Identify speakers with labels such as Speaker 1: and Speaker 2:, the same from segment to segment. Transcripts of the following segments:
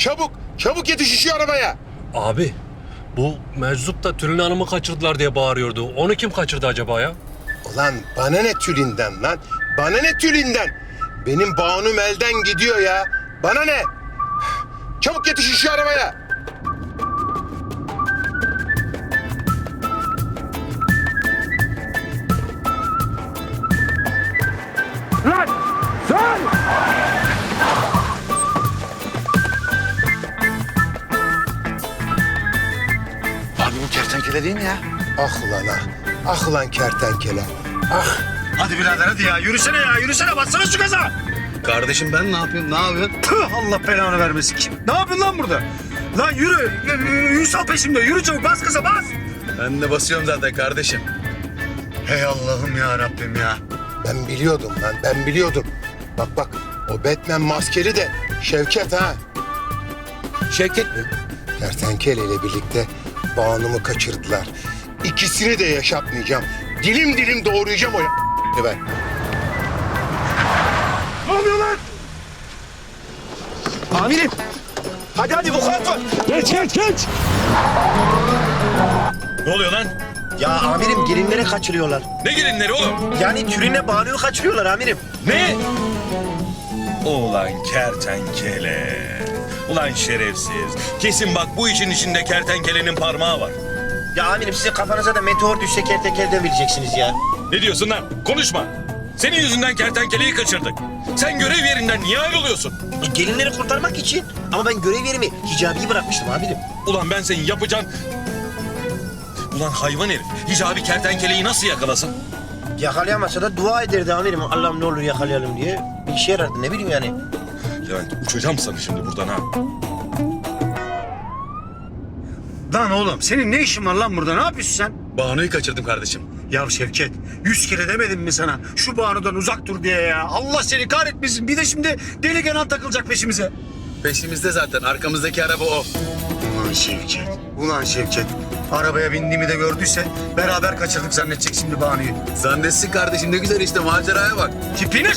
Speaker 1: Çabuk, çabuk yetiş şu arabaya.
Speaker 2: Abi bu meczup da Tülin Hanım'ı kaçırdılar diye bağırıyordu. Onu kim kaçırdı acaba ya?
Speaker 1: Ulan bana ne Tülin'den lan? Bana ne Tülin'den? Benim Banum elden gidiyor ya. Bana ne? Çabuk yetiş şu arabaya.
Speaker 3: Lan! Sen!
Speaker 4: Abi bu kertenkele değil mi ya?
Speaker 1: Ah lan ah. Ah lan kertenkele. Ah.
Speaker 4: Hadi birader hadi ya. Yürüsene ya. Yürüsene. Bassana şu gaza. Kardeşim ben ne yapayım? Ne yapıyorsun? Tüh, Allah belanı vermesin. Kim? Ne yapıyorsun lan burada? Lan yürü. Ünsal peşimde. Yürü çabuk. Bas gaza bas. Ben de basıyorum zaten kardeşim. Hey Allah'ım ya Rabbim ya.
Speaker 1: Ben biliyordum lan, ben biliyordum. Bak bak, o Batman maskeli de Şevket ha.
Speaker 2: Şevket mi?
Speaker 1: Kertenkele ile birlikte Banu'mu kaçırdılar. İkisini de yaşatmayacağım. Dilim dilim doğrayacağım o ben.
Speaker 4: Ne oluyor lan? Amirim. Hadi bu var.
Speaker 3: Geç!
Speaker 5: Ne oluyor lan?
Speaker 4: Ya amirim gelinleri kaçırıyorlar.
Speaker 5: Ne gelinleri oğlum?
Speaker 4: Yani Tülin'le Banu'yu kaçırıyorlar amirim.
Speaker 5: Ne? Ulan kertenkele. Ulan şerefsiz. Kesin bak bu işin içinde kertenkelenin parmağı var.
Speaker 4: Ya amirim sizin kafanıza da meteor düşse kertenkeleden bileceksiniz ya.
Speaker 5: Ne diyorsun lan? Konuşma. Senin yüzünden kertenkeleyi kaçırdık. Sen görev yerinden niye ayrılıyorsun?
Speaker 4: Gelinleri kurtarmak için. Ama ben görev yerimi hicabiyi bırakmıştım amirim.
Speaker 5: Ulan ben senin yapacağın... Ulan hayvan herif. Hicabi kertenkeleyi nasıl yakalasın?
Speaker 4: Yakalayamasa da dua ederdi amirim. Allah'ım ne olur yakalayalım diye. Bir işe yarardı ne bileyim yani.
Speaker 5: Levent uçacağım sana şimdi buradan ha.
Speaker 6: Lan oğlum senin ne işin var lan burada? Ne yapıyorsun sen?
Speaker 5: Banu'yu kaçırdım kardeşim.
Speaker 6: Ya Şevket 100 kere demedim mi sana şu Banu'dan uzak dur diye ya. Allah seni kahretmesin. Bir de şimdi deli Kenan takılacak peşimize.
Speaker 5: Peşimizde zaten. Arkamızdaki araba o.
Speaker 6: Ulan Şevket. Ulan Şevket. Arabaya bindiğimi de gördüyse beraber kaçırdık zannedecek şimdi Banu'yu.
Speaker 5: Zannetsin kardeşim ne güzel işte maceraya bak.
Speaker 6: Tipine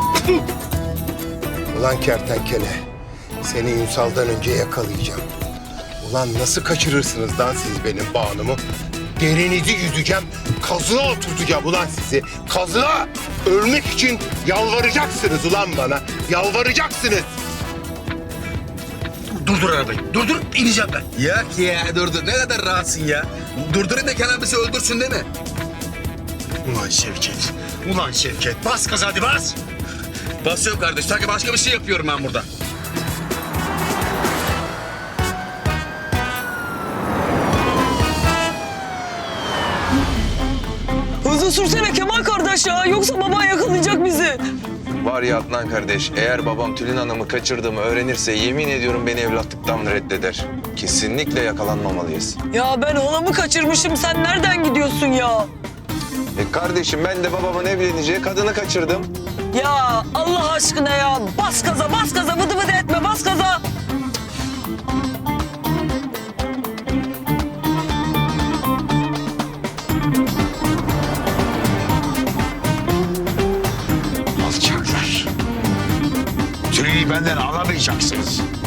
Speaker 1: Ulan kertenkele, seni Ünsal'dan önce yakalayacağım. Ulan nasıl kaçırırsınız lan siz benim Banu'mu? Derinizi yüzeceğim, kazığa oturtacağım ulan sizi. Kazığa! Ölmek için yalvaracaksınız ulan bana. Yalvaracaksınız.
Speaker 6: Durdur arabayı. Durdur ineceğim ben.
Speaker 5: Yok ya durdur. Ne kadar rahatsın ya. Durdurun da Kenan bizi öldürsün değil mi?
Speaker 6: Ulan Şevket. Ulan Şevket. Bas gaza hadi bas.
Speaker 5: Basıyorum kardeş. Sanki başka bir şey yapıyorum ben burada.
Speaker 7: Hızlı sürsene Kemal kardeş ya. Yoksa baban yakalayacak bizi.
Speaker 8: Var ya Adnan kardeş, eğer babam Tülin Hanım'ı kaçırdığımı öğrenirse yemin ediyorum beni evlatlıktan reddeder. Kesinlikle yakalanmamalıyız.
Speaker 7: Ya ben halamı kaçırmışım. Sen nereden gidiyorsun ya?
Speaker 8: Kardeşim ben de babamın evleneceği kadını kaçırdım.
Speaker 7: Ya Allah aşkına ya. Bas gaza, bas gaza. Vıdı vıdı etme, bas gaza.
Speaker 3: Alçaklar. Tülin'i benden alamayacaksınız.